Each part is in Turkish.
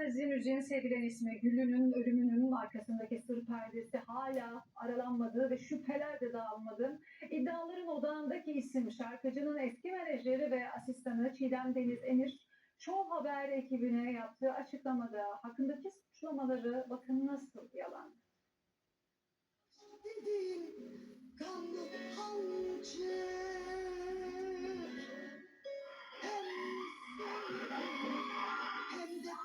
Fantazi müziğin sevilen ismi Güllü'nün ölümünün arkasındaki sır perdesi hala aralanmadı ve şüpheler de dağılmadı. İddiaların odağındaki isim şarkıcının eski menajeri ve asistanı Çiğdem Deniz Enir, Show Haber ekibine yaptığı açıklamada hakkındaki suçlamaları bakın nasıl yalan. Dediğin kanlı hancı hem de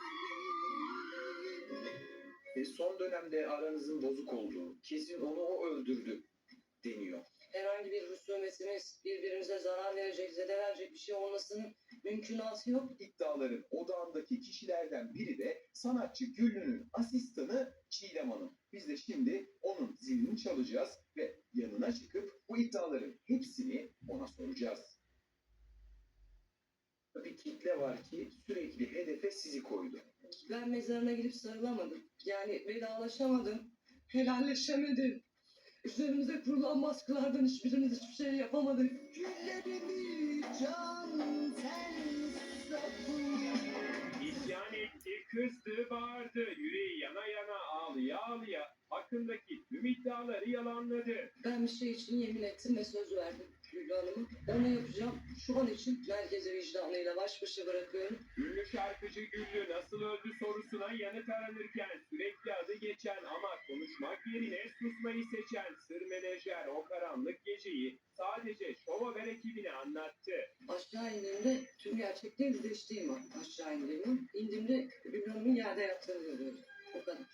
Son dönemde aranızın bozuk olduğu, kesin onu o öldürdü deniyor. Herhangi bir husumetimiz, birbirimize zarar verecek, zedelenecek bir şey olmasının mümkünatı yok. İddiaların odağındaki kişilerden biri de sanatçı Güllü'nün asistanı Çiğdem Hanım. Biz de şimdi onun zilini çalacağız ve yanına çıkıp bu iddiaların hepsini ona soracağız. Bir kitle var ki sürekli hedefe sizi koydu. Ben mezarına gidip sarılamadım. Yani vedalaşamadım, helalleşemedim. Üzerimize kurulan baskılardan hiçbirimiz hiçbir şey yapamadık. güllerimi can sen sapın. İsyan etti, kızdı, bağırdı, yüreği yana yana, ağlıya ağlıya hakkındaki tüm iddiaları yalanladı. Ben bir şey için yemin ettim ve söz verdim Güllü Hanım'a. Onu yapacağım. Şu an için merkezi vicdanıyla baş başa bırakıyorum. Ünlü şarkıcı Güllü nasıl öldü sorusuna yanıt aranırken sürekli adı geçen ama konuşmak yerine susmayı seçen sır menajer o karanlık geceyi sadece Show Haber ekibine anlattı. Aşağı indiğimde tüm gerçekleri yüzleştiğim an aşağı indiğimde. İndiğimde Güllü Hanım'ın yerde yattığını görüyorum. O kadar.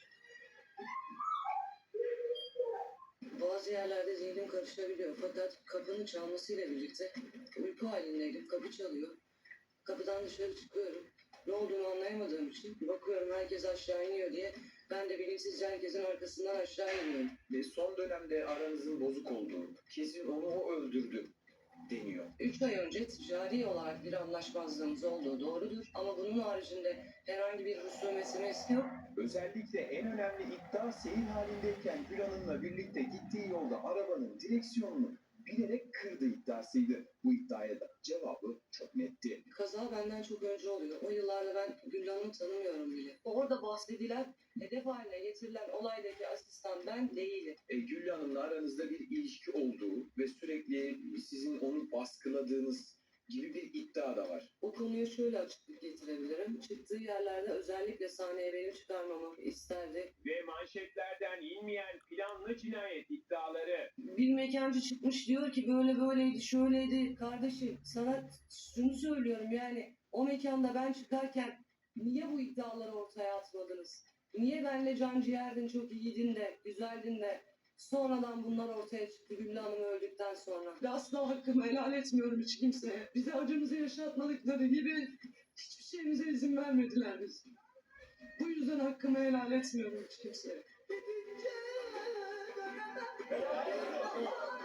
Bazı yerlerde zihnim karışabiliyor fakat kapının çalmasıyla birlikte uyku halindeydim. Kapı çalıyor. Kapıdan dışarı çıkıyorum. Ne olduğunu anlayamadığım için bakıyorum herkes aşağı iniyor diye ben de bilinçsizce herkesin arkasından aşağı iniyorum. Son dönemde aranızın bozuk olduğu, kesin onu o öldürdü deniyor. 3 ay önce ticari olarak bir anlaşmazlığımız olduğu doğrudur ama bunun haricinde herhangi bir husumetimiz yok. Özellikle en önemli iddia seyir halindeyken Gül Hanım'la birlikte gittiği yolda arabanın direksiyonunu bilerek kırdığı iddiasıydı. Bu iddiaya da cevabı çok netti. Kaza benden çok önce oluyor. O yıllarda ben Güllü Hanım'ı tanımıyorum bile. Orada bahsedilen, hedef haline getirilen olaydaki asistan ben değilim. Gül Hanım'la aranızda bir ilişki olduğu ve sürekli sizin onu baskıladığınız gibi bir iddia da var. O konuya şöyle açıklık getirebilirim. Çıktığı yerlerde özellikle sahneye benim çıkarmamı isterdi. Ve manşetlerden inmeyen planlı cinayet iddiaları. Bir mekancı çıkmış diyor ki böyle böyleydi, şöyleydi. Kardeşim sana şunu söylüyorum yani o mekanda ben çıkarken niye bu iddiaları ortaya atmadınız? Niye benle can ciğerdin, çok iyiydin de, güzeldin de sonradan bunlar ortaya çıktı Güllü Hanım öldükten sonra? Ve asla hakkımı helal etmiyorum hiç kimseye. Bize acımızı yaşatmadıkları gibi hiçbir şeyimize izin vermediler biz. Bu yüzden hakkımı helal etmiyorum hiç kimseye. Gidince göremem.